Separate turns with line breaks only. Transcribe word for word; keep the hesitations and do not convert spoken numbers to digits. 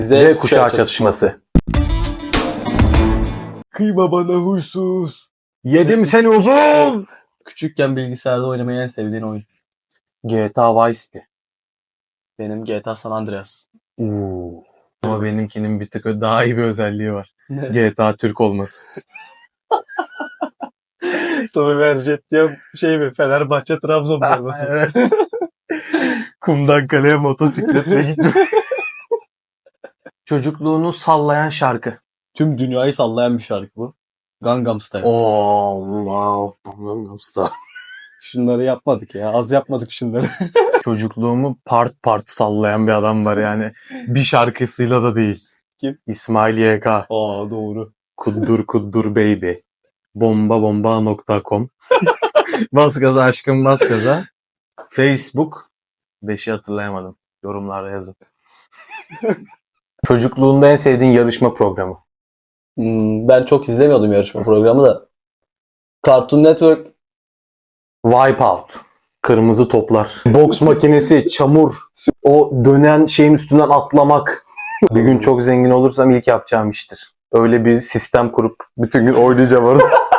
Z kuşağı çatışması.
Kıyma bana huysuz.
Yedim seni uzun.
Küçükken bilgisayarda oynamayı en sevdiğin oyun.
G T A Vice City.
Benim G T A San Andreas.
Uuu. Ama benimkinin bir tık daha iyi bir özelliği var.
Ne?
G T A Türk olması.
Tommy Verjet diye şey mi? Fenerbahçe Trabzon forması.
Evet. Kumdan kaleye motosikletle gidiyor. Çocukluğunu sallayan şarkı.
Tüm dünyayı sallayan bir şarkı bu. Gangnam Style.
Allah. Gangnam Style.
Şunları yapmadık ya. Az yapmadık şunları.
Çocukluğumu part part sallayan bir adam var yani. Bir şarkısıyla da değil.
Kim?
İsmail Y K.
Aa doğru.
Kuddur kuddur baby. Bomba bomba nokta com. Bas gaza aşkım bas gaza. Facebook. Beşi hatırlayamadım. Yorumlarda yazın. Çocukluğunda en sevdiğin yarışma programı.
Hmm, ben çok izlemiyordum yarışma programı da. Cartoon Network.
Wipeout. Kırmızı toplar. Boks makinesi, çamur. O dönen şeyin üstünden atlamak. Bir gün çok zengin olursam ilk yapacağım iştir. Öyle bir sistem kurup bütün gün oynayacağım orada.